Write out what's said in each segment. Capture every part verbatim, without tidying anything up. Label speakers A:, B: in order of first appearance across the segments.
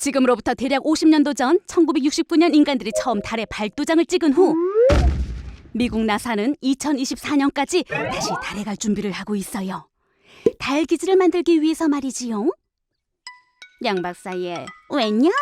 A: 지금으로부터 대략 오십 년도 전 천구백육십구 년 인간들이 처음 달에 발도장을 찍은 후 미국 나사는 이천이십사 년까지 다시 달에 갈 준비를 하고 있어요. 달 기지를 만들기 위해서 말이지요. 양 박사의 웬냥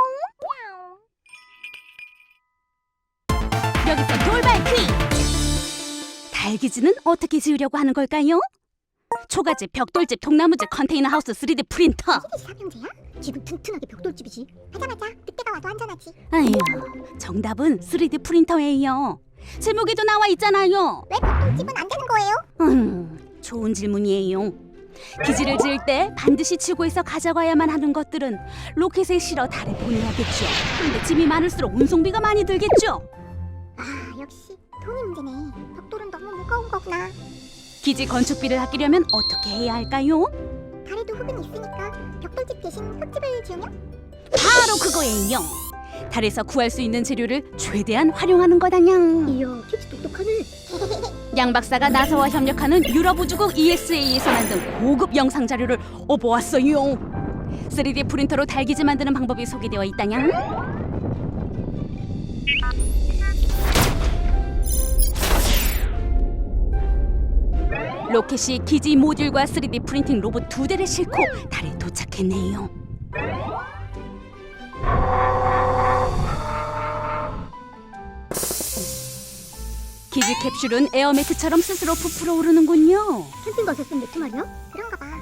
A: 여기서 돌발 퀴즈! 달 기지는 어떻게 지으려고 하는 걸까요? 초가집, 벽돌집, 통나무집, 컨테이너 하우스, 쓰리디 프린터.
B: 시대지 삼형제야? 집은 튼튼하게 벽돌집이지. 맞아 맞아. 늑대가 와도 안전하지.
A: 아휴, 정답은 쓰리디 프린터예요. 제목에도 나와 있잖아요.
B: 왜 벽돌집은 안 되는 거예요?
A: 음, 좋은 질문이에요. 기지를 지을 때 반드시 지구에서 가져가야만 하는 것들은 로켓에 실어 달에 보내야겠죠. 근데 짐이 많을수록 운송비가 많이 들겠죠.
B: 아 역시 돈이 문제네. 벽돌은 너무 무거운 거구나.
A: 기지 건축비를 아끼려면 어떻게 해야 할까요?
B: 달에도 흙은 있으니까 벽돌집 대신 흙집을 지으면?
A: 바로 그거예요. 달에서 구할 수 있는 재료를 최대한 활용하는 거다냥.
B: 이야 tip스 똑똑하네.
A: 양 박사가 나사와 협력하는 유럽 우주국 이에스에이에서 만든 고급 영상 자료를 업어왔어요. 쓰리디 프린터로 달기지 만드는 방법이 소개되어 있다냥. 로켓이 기지 모듈과 쓰리디 프린팅 로봇 두 대를 싣고 달에 도착했네요. 기지 캡슐은 에어매트처럼 스스로 부풀어 오르는군요.
B: 캠핑 가서 쓴 매트 말이야? 그런가 봐.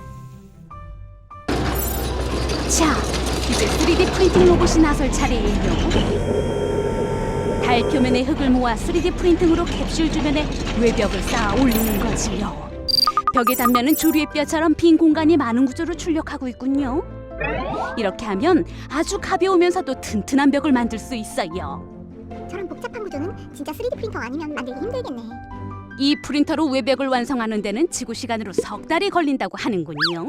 A: 자, 이제 쓰리디 프린팅 로봇이 나설 차례예요. 달 표면의 흙을 모아 쓰리디 프린팅으로 캡슐 주변에 외벽을 쌓아 올리는 거지요. 벽의 단면은 조류의 뼈처럼 빈 공간이 많은 구조로 출력하고 있군요. 이렇게 하면 아주 가벼우면서도 튼튼한 벽을 만들 수 있어요.
B: 저런 복잡한 구조는 진짜 쓰리디 프린터 아니면 만들기 힘들겠네.
A: 이 프린터로 외벽을 완성하는 데는 지구 시간으로 석 달이 걸린다고 하는군요.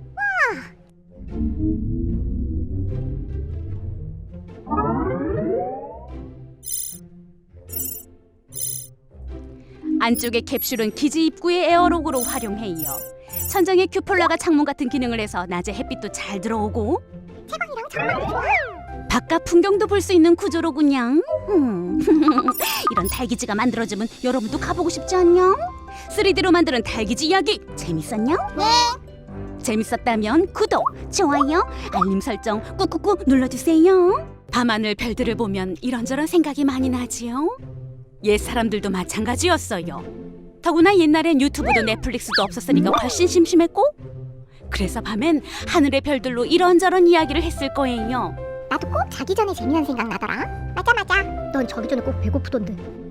A: 안쪽의 캡슐은 기지 입구의 에어록으로 활용해요. 천장에 큐폴라가 창문 같은 기능을 해서 낮에 햇빛도 잘 들어오고
B: 채광이랑 전망도 좋아.
A: 바깥 풍경도 볼 수 있는 구조로군요. 음. 이런 달기지가 만들어지면 여러분도 가보고 싶지 않냐? 쓰리디로 만드는 달기지 이야기 재밌었냐?
B: 네.
A: 재밌었다면 구독, 좋아요, 알림 설정 꾹꾹꾹 눌러주세요. 밤하늘 별들을 보면 이런저런 생각이 많이 나지요. 옛 사람들도 마찬가지였어요. 더구나 옛날엔 유튜브도 넷플릭스도 없었으니까 훨씬 심심했고, 그래서 밤엔 하늘의 별들로 이런저런 이야기를 했을 거예요.
B: 나도 꼭 자기 전에 재미난 생각 나더라. 맞아 맞아. 넌 자기 전에 꼭 배고프던데.